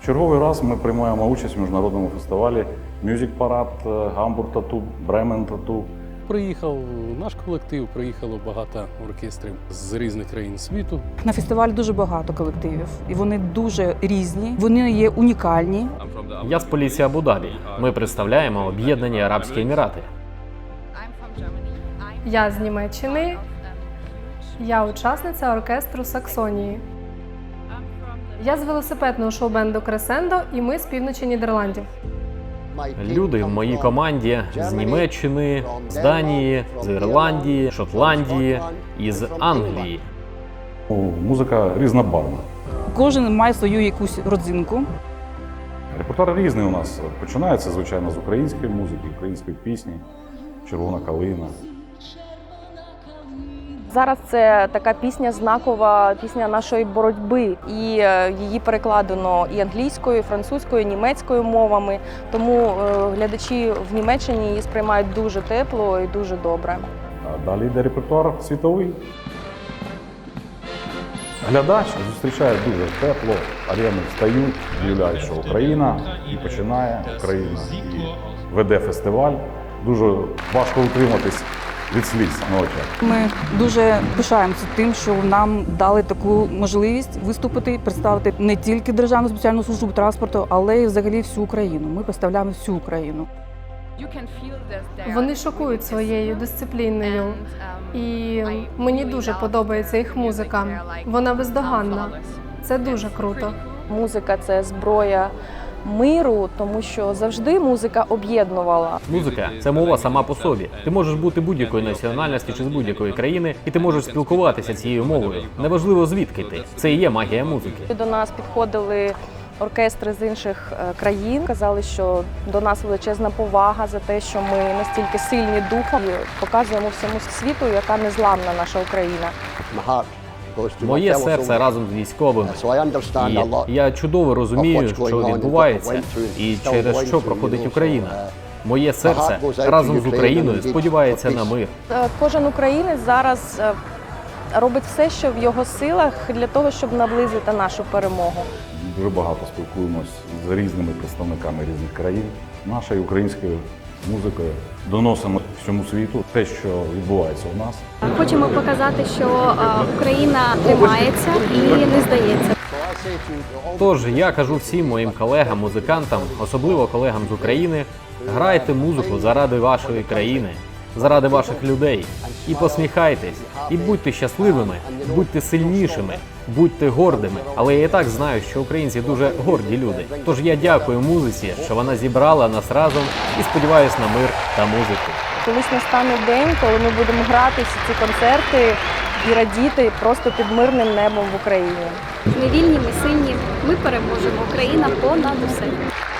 Черговий раз ми приймаємо участь в міжнародному фестивалі Music Parade, Hamburg Tattoo, Bremen Tattoo. Приїхав наш колектив, приїхало багато оркестрів з різних країн світу. На фестивалі дуже багато колективів, і вони дуже різні, вони є унікальні. Я з поліції Абу-Дабі. Ми представляємо Об'єднані Арабські Емірати. Я з Німеччини. Я учасниця оркестру Саксонії. Я з велосипедного шоу-бенду Кресендо, і ми з півночі Нідерландів. Люди в моїй команді з Німеччини, з Данії, з Ірландії, Шотландії і з Англії. Музика різнобарвна. Кожен має свою якусь родзинку. Репертуар різний у нас. Починається, звичайно, з української музики, української пісні, «Червона калина». Зараз це така пісня знакова, пісня нашої боротьби. І її перекладено і англійською, і французькою, і німецькою мовами. Тому глядачі в Німеччині її сприймають дуже тепло і дуже добре. А далі йде репертуар світовий. Глядач зустрічає дуже тепло, арени встають, об'являють, що Україна, і починає Україна, і веде фестиваль. Дуже важко утриматись від сліз на очах. Ми дуже пишаємося тим, що нам дали таку можливість виступити, представити не тільки Державну спеціальну службу транспорту, але й взагалі всю Україну. Ми представляємо всю Україну. Вони шокують своєю дисципліною. І мені дуже подобається їх музика. Вона бездоганна. Це дуже круто. Музика – це зброя миру, тому що завжди музика об'єднувала. Музика – це мова сама по собі. Ти можеш бути будь-якої національності чи з будь-якої країни, і ти можеш спілкуватися цією мовою. Неважливо, звідки ти. Це і є магія музики. До нас підходили оркестри з інших країн, казали, що до нас величезна повага за те, що ми настільки сильні духом і показуємо всьому світу, яка незламна наша Україна. Моє серце разом з військовими. І я чудово розумію, що відбувається і через що проходить Україна. Моє серце разом з Україною сподівається на мир. Кожен українець зараз робить все, що в його силах для того, щоб наблизити нашу перемогу. Дуже багато спілкуємось з різними представниками різних країн. Нашою українською музикою доносимо всьому світу те, що відбувається у нас. Хочемо показати, що Україна тримається і не здається. Тож я кажу всім моїм колегам, музикантам, особливо колегам з України, грайте музику заради вашої країни, заради ваших людей. І посміхайтесь, і будьте щасливими, будьте сильнішими, будьте гордими. Але я і так знаю, що українці дуже горді люди. Тож я дякую музиці, що вона зібрала нас разом і сподіваюся на мир та музику. Колись настане день, коли ми будемо грати всі ці концерти і радіти просто під мирним небом в Україні. Ми вільні, ми сильні, ми переможемо. Україна понад усе.